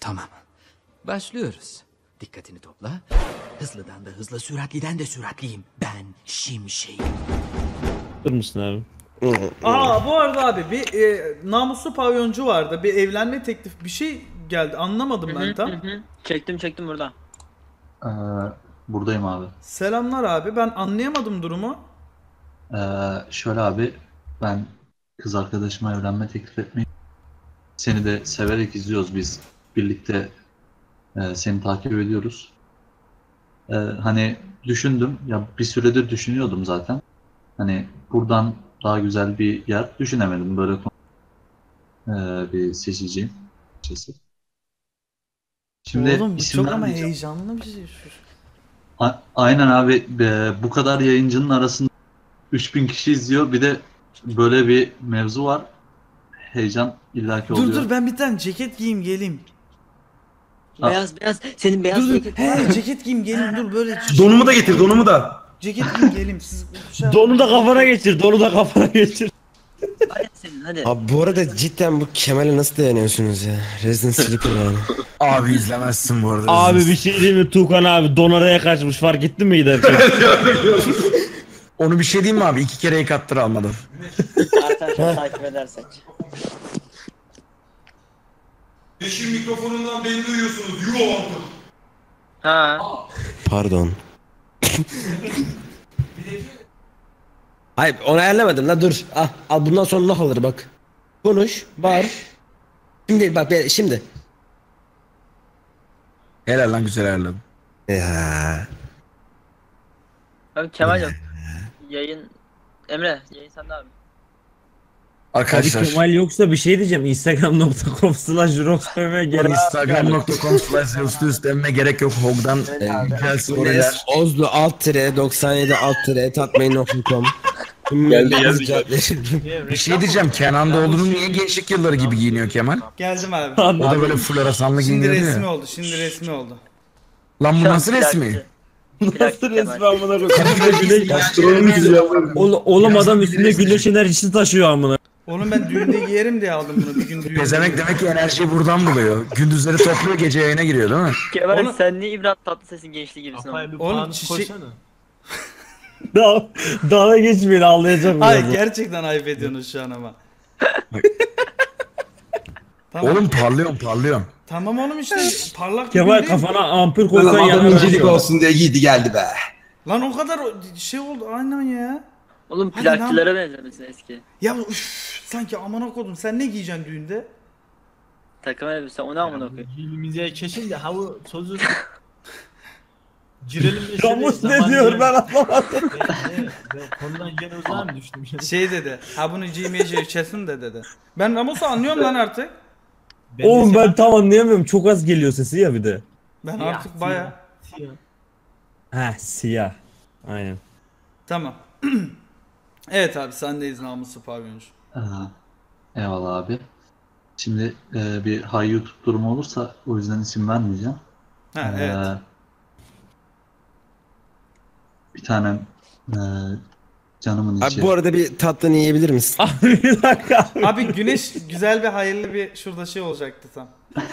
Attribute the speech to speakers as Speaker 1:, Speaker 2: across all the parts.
Speaker 1: Tamam. Başlıyoruz. Dikkatini topla. Hızlıdan da hızlı, süratliden de süratliyim. Ben Şimşek'im.
Speaker 2: Dur musun abi?
Speaker 3: Aa bu arada abi bir namuslu pavyoncu vardı. Bir evlenme teklif bir şey geldi. Anlamadım ben tam.
Speaker 4: Çektim burada.
Speaker 5: Buradayım abi.
Speaker 3: Selamlar abi. Ben anlayamadım durumu.
Speaker 5: Şöyle abi, ben kız arkadaşıma evlenme teklif etmeyi, seni de severek izliyoruz biz. Birlikte seni takip ediyoruz. Hani düşündüm, ya bir süredir düşünüyordum zaten. Hani buradan daha güzel bir yer düşünemedim. Böyle bir seçeceğim. Açıkçası. Şimdi
Speaker 3: Oğlum bu
Speaker 5: isim
Speaker 3: çok ama
Speaker 5: vermeyeceğim.
Speaker 3: heyecanlı bir şey.
Speaker 5: Aynen abi, bu kadar yayıncının arasında 3000 kişi izliyor. Bir de böyle bir mevzu var. Heyecan illaki oluyor.
Speaker 3: Dur ben bir tane ceket giyeyim geleyim.
Speaker 4: Beyaz. Senin beyaz
Speaker 3: Dur
Speaker 4: ceket var mı?
Speaker 3: he ceket giyeyim geleyim dur böyle.
Speaker 6: Donumu da getir, donumu da.
Speaker 3: Ceket giyeyim geleyim siz şey
Speaker 2: Donu da kafana geçir, donu da kafana geçir.
Speaker 4: Hadi senin hadi.
Speaker 7: Abi bu arada cidden bu Kemal'e nasıl dayanıyorsunuz ya? Resident Sleeper yani.
Speaker 6: Abi izlemezsin bu arada.
Speaker 2: Abi bir şey diyeyim mi Tuğkan abi? Don araya kaçmış, fark ettin mi giderken?
Speaker 6: Onu bir şey diyeyim mi abi? 2 kere yıkattır almadım.
Speaker 4: Arkadaşlar takip edersek.
Speaker 8: Yeşil mikrofonundan beni duyuyorsunuz. Euro aldım.
Speaker 4: Ha.
Speaker 7: Pardon. Hayır onu ayarlamadım la dur. Al bundan sonra laf alır bak. Konuş, bağır. Şimdi bak şimdi.
Speaker 6: Helal lan, güzel ayarladım.
Speaker 7: Ya.
Speaker 4: Abi Kemal'im. Yayın. Emre yayın sende abi.
Speaker 2: Abi
Speaker 6: Arkadaşlar
Speaker 2: Kemal yoksa bir şey diyeceğim. Instagram.com/juroxpm gerek.
Speaker 6: Instagram.com/üstüme gerek yok. Hog'dan güzel storyler.
Speaker 7: Ozlu alt tire 97 alt tire tatmain.com.
Speaker 6: Bir şey diyeceğim. Kenan Doğulu'nun niye gençlik yılları gibi giyiniyor Kemal?
Speaker 3: geldim abi.
Speaker 6: O da böyle floresanlı
Speaker 3: Şimdi
Speaker 6: giyiniyor
Speaker 3: resmi
Speaker 6: ya.
Speaker 3: oldu. Şimdi resmi oldu.
Speaker 6: Lan bu nasıl resmi?
Speaker 2: Nasıl resmi amına koyayım? Oğlum adam üstünde güneş enerjisi taşıyor amına.
Speaker 3: Oğlum ben düğünde giyerim diye aldım bunu. Bir gün düğünde.
Speaker 6: Pezemek demek ki enerjiyi buradan buluyor. Gündüzleri topluyor, gece yayına giriyor değil mi?
Speaker 4: Kemal
Speaker 3: Oğlum-
Speaker 4: sen niye İbrahim Tatlıses'in gençliği gibisin oğlum?
Speaker 3: Oğlum çiçek...
Speaker 2: Dalga geçmeyin, ağlayacağım
Speaker 3: Ay
Speaker 2: biraz.
Speaker 3: gerçekten ayıp ediyorsunuz şu an ama. Tamam.
Speaker 6: Oğlum parlıyorum.
Speaker 3: Tamam oğlum işte parlak bir
Speaker 2: Kemal
Speaker 3: gün değil.
Speaker 2: kafana ampul
Speaker 8: Adam
Speaker 2: koysan yanına
Speaker 8: incelik olsun diye giydi geldi be.
Speaker 3: Lan o kadar şey oldu aynen ya.
Speaker 4: Oğlum
Speaker 3: Hadi lan.
Speaker 4: plakçılara benzemesin eski.
Speaker 3: Ya sanki amına kodum sen ne giyeceksin düğünde?
Speaker 4: Takım elbise o ne amına koyayım.
Speaker 9: Dilimize kesin de hava tozu girelim de
Speaker 2: Ramus ne diyor ben anlamadım.
Speaker 9: Konudan gene uzağa mı düştüm?
Speaker 3: Şey dedi. Ha bunu giymeyeceği kesin de dedi. Ben Ramos'u anlıyorum lan artık.
Speaker 2: Oğlum ben tam anlayamıyorum. Çok az geliyor sesi ya bir de.
Speaker 3: Ben artık baya.
Speaker 2: Heh siyah. Aynen.
Speaker 3: Tamam. Evet abi sendeyiz namuslu pavyoncu.
Speaker 5: Eyvallah abi. Şimdi bir high YouTube durumu olursa o yüzden isim vermeyeceğim.
Speaker 3: Ha evet.
Speaker 5: Bir tanem canımın
Speaker 7: Abi
Speaker 5: içi.
Speaker 7: bu arada bir tatlını yiyebilir misin?
Speaker 2: Abi bir dakika.
Speaker 3: Abi güneş güzel bir hayırlı bir şurada şey olacaktı tam.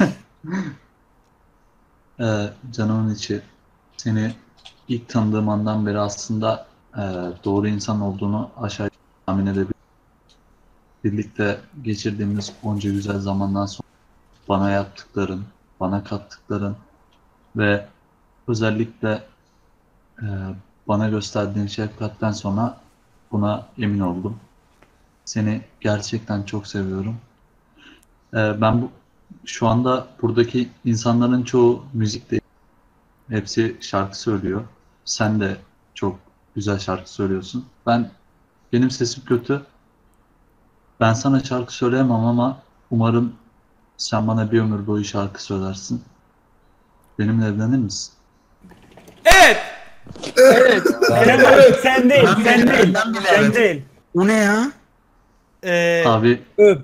Speaker 5: Canımın içi. Seni ilk tanıdığım andan beri aslında doğru insan olduğunu aşağı tahmin edebilirim. Birlikte geçirdiğimiz onca güzel zamandan sonra bana yaptıkların, bana kattıkların ve özellikle bana gösterdiğin şefkatten sonra buna emin oldum. Seni gerçekten çok seviyorum. Ben şu anda buradaki insanların çoğu müzik değil. Hepsi şarkı söylüyor. Sen de çok güzel şarkı söylüyorsun. Benim sesim kötü. Ben sana şarkı söyleyemem ama umarım sen bana bir ömür boyu şarkı söylersin. Benimle evlenir misin?
Speaker 3: Evet.
Speaker 2: Kemal sen değil, sen değil.
Speaker 6: O ne ya?
Speaker 5: Abi
Speaker 2: Öp.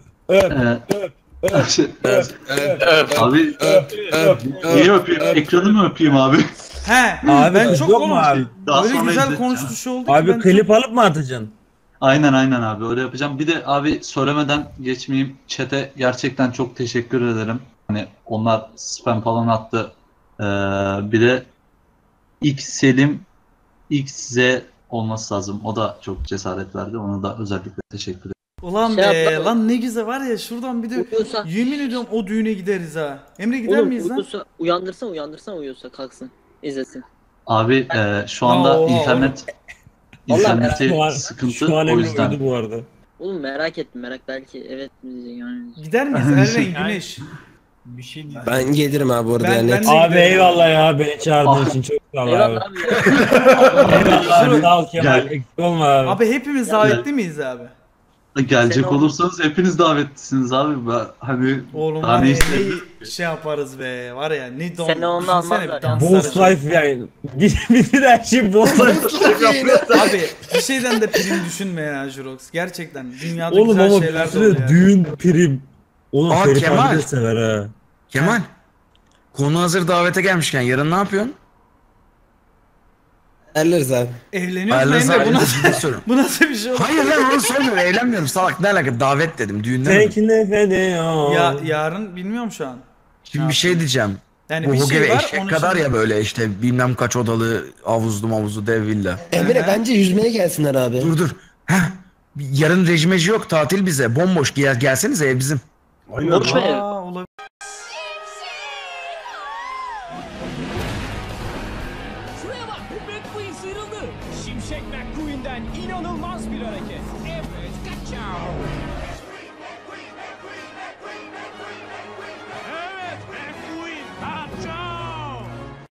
Speaker 5: abi niye öpeyim? Ekranı mı öpeyim abi?
Speaker 3: He.
Speaker 2: Abi
Speaker 3: ben
Speaker 2: kız
Speaker 3: çok
Speaker 2: yok mu
Speaker 3: oğlum.
Speaker 2: abi?
Speaker 5: Daha
Speaker 3: Öyle
Speaker 5: sonra
Speaker 3: güzel
Speaker 5: izleteceğim.
Speaker 3: konuştu şey oldu ki
Speaker 2: Abi
Speaker 3: ben
Speaker 2: klip alıp mı atacaksın?
Speaker 5: Aynen abi öyle yapacağım. Bir de abi söylemeden geçmeyeyim. Chat'e gerçekten çok teşekkür ederim. Hani onlar spam falan attı. Bir de X Selim XZ olması lazım. O da çok cesaret verdi. Ona da özellikle teşekkür ederim.
Speaker 3: Ulan
Speaker 4: Şey
Speaker 3: be
Speaker 4: yapma.
Speaker 3: lan ne güzel var ya şuradan bir de
Speaker 4: Uyuyorsa,
Speaker 3: yemin ediyorum o düğüne gideriz ha. Emre gider
Speaker 4: oğlum
Speaker 3: miyiz lan?
Speaker 4: uyuyorsa, uyandırsan uyuyorsa kalksın. İzlesin.
Speaker 5: Abi şu anda
Speaker 3: Oha,
Speaker 5: interneti
Speaker 2: Şu an,
Speaker 5: sıkıntı,
Speaker 2: şu an
Speaker 5: o
Speaker 2: Emre
Speaker 5: yüzden.
Speaker 2: uyudu bu arada.
Speaker 4: Oğlum merak ettim, belki evet mi diyecek yani.
Speaker 3: Gider miyiz Eren Güneş?
Speaker 9: Bir şey diyeceğim.
Speaker 7: Ben gelirim abi orada
Speaker 3: Ben-
Speaker 7: yani.
Speaker 3: ben de-
Speaker 2: Abi eyvallah ya beni çağırdığın için çok sağ ol abi.
Speaker 4: Eyvallah abi ya.
Speaker 2: Eyvallah abi sağ ol Kemal.
Speaker 5: Gel.
Speaker 2: Eksik olma abi.
Speaker 3: Abi hepimiz davetli miyiz abi?
Speaker 5: Gelecek
Speaker 4: Seni
Speaker 5: olursanız hepiniz davetlisiniz abi. Ben hani
Speaker 3: Oğlum
Speaker 5: daha
Speaker 3: var
Speaker 5: ne
Speaker 3: ya
Speaker 5: istedim?
Speaker 3: ne şey yaparız be var ya ne don.
Speaker 4: Seni ondan
Speaker 3: düşünsene
Speaker 4: almazlar
Speaker 3: bir
Speaker 4: ya.
Speaker 3: dans
Speaker 2: Boss
Speaker 3: aracı.
Speaker 2: life yani. Bizim her şey boss life.
Speaker 3: Abi bir şeyden de prim düşünme ya Jurox. Gerçekten dünyada
Speaker 2: Oğlum
Speaker 3: güzel
Speaker 2: ama
Speaker 3: şeyler
Speaker 2: bir
Speaker 3: de oluyor.
Speaker 2: sürü düğün prim. Oğlum
Speaker 6: Aa,
Speaker 2: Ferit
Speaker 6: Kemal.
Speaker 2: abi de sever ha.
Speaker 6: Kemal. Konu hazır davete gelmişken yarın ne yapıyorsun?
Speaker 7: Erleriz abi.
Speaker 3: Evleniyoruz mu
Speaker 6: Ayarlarız
Speaker 3: Emre?
Speaker 6: abi,
Speaker 3: Bu nasıl,
Speaker 6: ciddi soruyorum.
Speaker 3: bu nasıl bir şey olur?
Speaker 6: Hayır lan onu sormuyorum, evlenmiyorum salak, ne alaka, davet dedim, düğünden mi?
Speaker 2: Tek nefede
Speaker 3: Ya yarın bilmiyorum şu an.
Speaker 6: Şimdi bir şey diyeceğim.
Speaker 3: Yani
Speaker 6: Bu
Speaker 3: bir
Speaker 6: gibi
Speaker 3: şey var
Speaker 6: eşek
Speaker 3: onun
Speaker 6: kadar
Speaker 3: için-
Speaker 6: ya böyle işte bilmem kaç odalı havuzlu dev villa.
Speaker 7: Emre bence yüzmeye gelsinler abi.
Speaker 6: Dur. Heh. Yarın rejimeci yok, tatil bize, bomboş, gelsenize ev bizim.
Speaker 4: Boş ver.
Speaker 3: Aa, olabilir.
Speaker 10: Şuraya bak, McQueen sıyrıldı. Şimşek McQueen'den inanılmaz bir hareket. Evet, kaçao.